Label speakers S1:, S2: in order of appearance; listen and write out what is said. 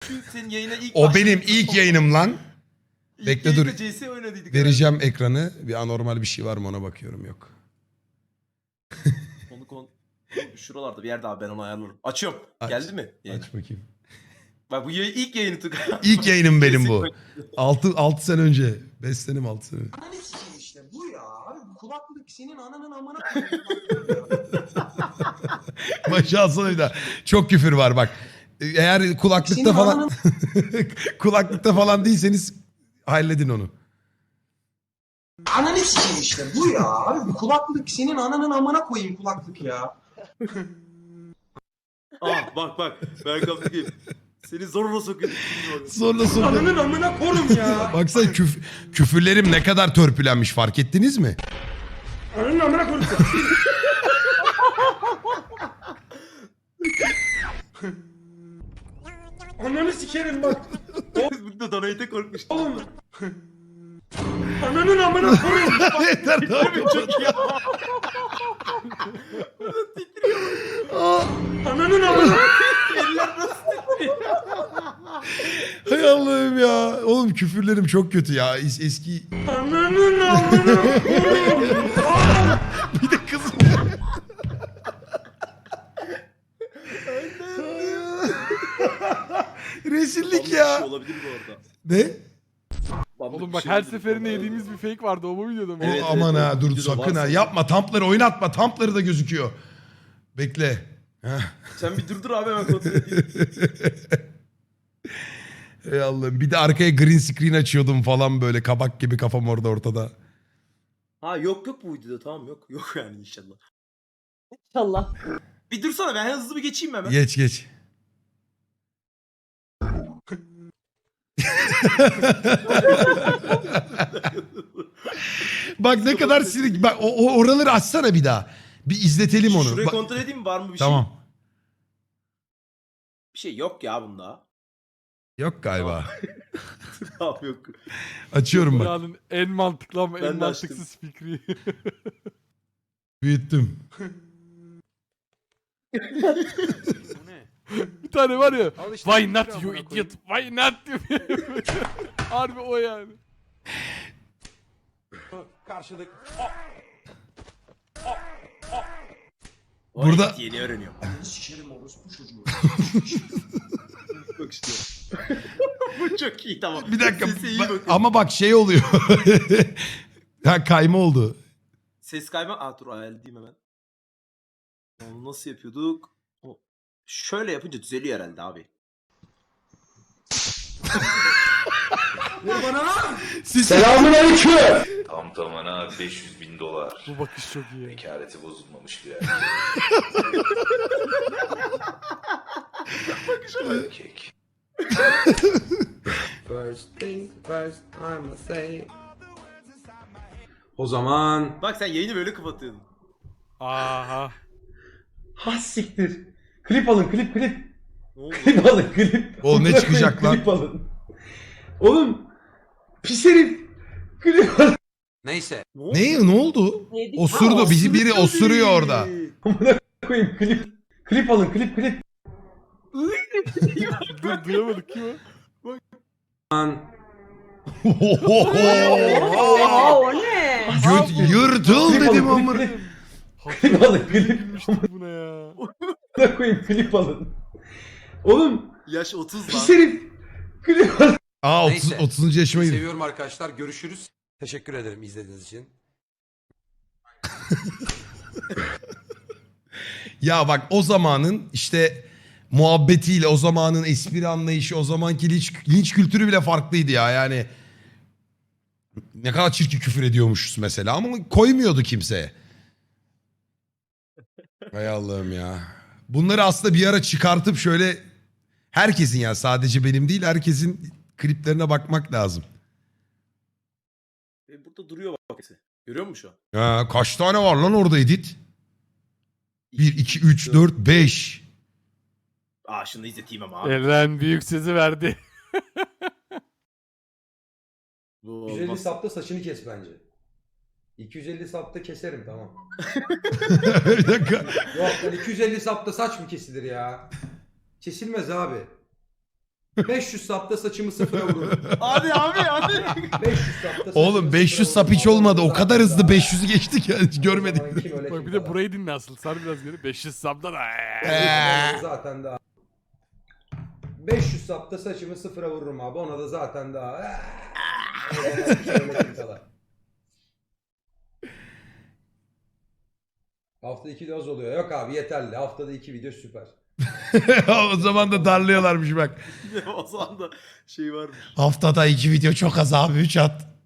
S1: çünkü senin yayına ilk
S2: O benim ilk yayınım lan. Bekle dur.
S1: CS oynadıydık.
S2: Vereceğim ekranı. Bir anormal bir şey var mı ona bakıyorum, yok.
S1: Şuralarda bir yerde abi, ben onu ayarlarım. Açıyorum.
S2: Aç.
S1: Geldi mi? Yayın.
S2: Aç bakayım.
S1: Bak bu ilk yayını tık.
S2: İlk yayınım benim bu. 6 sene önce. 5 senem 6 sene.
S3: Ananı sikeyim işte bu ya. Abi bu kulaklık senin ananın amına
S2: Başa alsana bir daha. Çok küfür var bak. Eğer kulaklıkta
S3: Senin
S2: falan kulaklıkta falan değilseniz halledin onu.
S3: Ananı sikeyim işte bu ya. Abi bu kulaklık senin ananın amına koyayım kulaklık ya.
S1: Bak. Ben kapatayım. Seni zorla sokuyor.
S2: Sonra
S3: Ananın amına korum ya.
S2: baksana küfürlerim ne kadar törpülenmiş, fark ettiniz mi?
S3: Ananın amına korum. Ananı sikerim bak.
S1: Burada donate'e korkmuş.
S3: Oğlum. Ananın amına koyayım.
S2: Yeter abi.
S1: Çok iyi.
S3: Ananın amına.
S2: Hay Allah'ım ya. Oğlum küfürlerim çok kötü ya. Eski
S3: Ananın amına koyayım.
S2: bir de kız. Rezillik ya.
S1: Olabilir bu arada.
S2: Ne?
S4: Oğlum bak her seferinde yediğimiz bir fake vardı o mu videoda mı?
S1: Evet,
S2: Aman
S1: evet,
S2: ha
S1: evet.
S2: dur
S1: Videoda
S2: sakın
S1: varsa.
S2: ha. Yapma, Tampları oynatma. Tampları da gözüküyor. Bekle. Heh.
S1: Sen bir dur abi, hemen kontrol edeyim.
S2: Ey Allah'ım. Bir de arkaya green screen açıyordum falan böyle. Kabak gibi kafam orada ortada.
S1: Ha yok bu videoda, tamam yok yani inşallah.
S5: İnşallah.
S1: Bir dursana, ben hızlı bir geçeyim hemen.
S2: Geç. Bak ne kadar silik. Bak o oraları açsana bir daha. Bir izletelim onu.
S1: Şurayı
S2: Bak-
S1: kontrol edeyim mi, var mı bir şey?
S2: Tamam.
S1: Bir şey yok ya bunda.
S2: Yok galiba.
S1: Tamam yok.
S2: Açıyorum bak.
S4: Dünyanın en mantıklı ama
S1: Ben
S4: en
S1: de açtım.
S4: mantıksız fikri.
S2: Büyüttüm.
S4: Bir tane var ya.
S6: Al işte
S4: Why
S6: bir
S4: not
S6: amına
S4: you
S6: koyayım.
S4: idiot? Why not diyor. Harbi o yani.
S6: Karşılık.
S1: O
S2: Burada-
S1: evet, yeni öğreniyorum.
S3: Sikerim orospu çocuğu.
S1: Bak işte. Bu çok iyi, tamam.
S2: Bir dakika.
S1: Sesi iyi bakın.
S2: Ama bak şey oluyor. Ha, kayma oldu.
S1: Ses kayma. Dur ayarlayayım hemen. Onu nasıl yapıyorduk? Şöyle yapınca düzeliyor herhalde abi.
S3: Vur bana lan.
S7: Selamun aleyküm. Tam tamına $500.000.
S4: Bu bakış çok iyi.
S7: Bekareti bozulmamış bir erkek.
S8: First things first, I'ma say. O zaman
S1: Bak sen yayını böyle kapatıyordun.
S4: Aha.
S8: ha siktir. Klip alın, klip.
S1: Ne oldu?
S8: Klip alın, klip.
S2: Oğlum ne
S8: Amına
S2: çıkacak
S8: koyayım,
S2: lan?
S8: Klip alın. Oğlum pis herif. Klip alın.
S6: Neyse.
S1: Ne oldu?
S2: Ne oldu?
S5: Yedik.
S2: Osurdu. Bizi biri osuruyor orada.
S8: Amına koyayım klip. Klip alın, klip.
S4: Dur duyamadık kim o?
S5: Oha o ne?
S2: Göt yırtıl
S8: Klip
S2: dedim
S8: alın,
S2: ama.
S8: klip. Klip alın, klip.
S4: Gülmüştük buna ya.
S8: Amına koyayım klip alın. Oğlum
S1: Yaş 30 lan.
S8: pis herif. Klip alın.
S2: Aa 30,
S6: Neyse.
S2: 30. yaşıma girdim.
S6: Seviyorum arkadaşlar. Görüşürüz. Teşekkür ederim izlediğiniz için.
S2: Ya bak o zamanın işte muhabbetiyle, o zamanın espri anlayışı, o zamanki linç kültürü bile farklıydı ya. Yani ne kadar çirkin küfür ediyormuşuz mesela ama koymuyordu kimse. Hay Allah'ım ya. Bunları aslında bir ara çıkartıp şöyle herkesin, ya sadece benim değil, herkesin kliplerine bakmak lazım.
S1: Burada duruyor bak. Görüyor musun şu an?
S2: Ya kaç tane var lan orada edit? 1, 2, 3, 4, 5.
S1: Şunu izleteyim ama abi.
S4: Eren büyük sözü verdi.
S1: Bu
S6: 250
S1: olmaz.
S6: sapta saçını kes bence. 250 sapta keserim tamam.
S2: Bir dakika.
S6: Yok lan 250 sapta saç mı kesilir ya? Kesilmez abi. 500 sapta saçımı sıfıra vururum.
S1: Hadi abi hadi.
S6: 500 sapta saçımı
S2: Oğlum 500
S6: sıfıra
S2: sap hiç
S6: vururum.
S2: olmadı. O
S6: Zaten
S2: kadar hızlı
S6: daha-
S2: 500'ü geçtik ya hiç görmedik.
S6: O zaman kim öyle
S4: Bak
S6: kim
S4: bir de
S6: kalan.
S4: burayı dinle asıl. Sar biraz geri. 500 sabda da.
S6: Zaten daha. 500 sapta saçımı sıfıra vururum abi. Ona da zaten daha. O zaman kim öyle kim kalan. Haftada 2 doz oluyor. Yok abi yeterli. Haftada 2 video süper.
S2: O zaman da darlıyorlarmış bak.
S1: O zaman da şey varmış.
S2: Haftada 2 video çok az abi 3 at.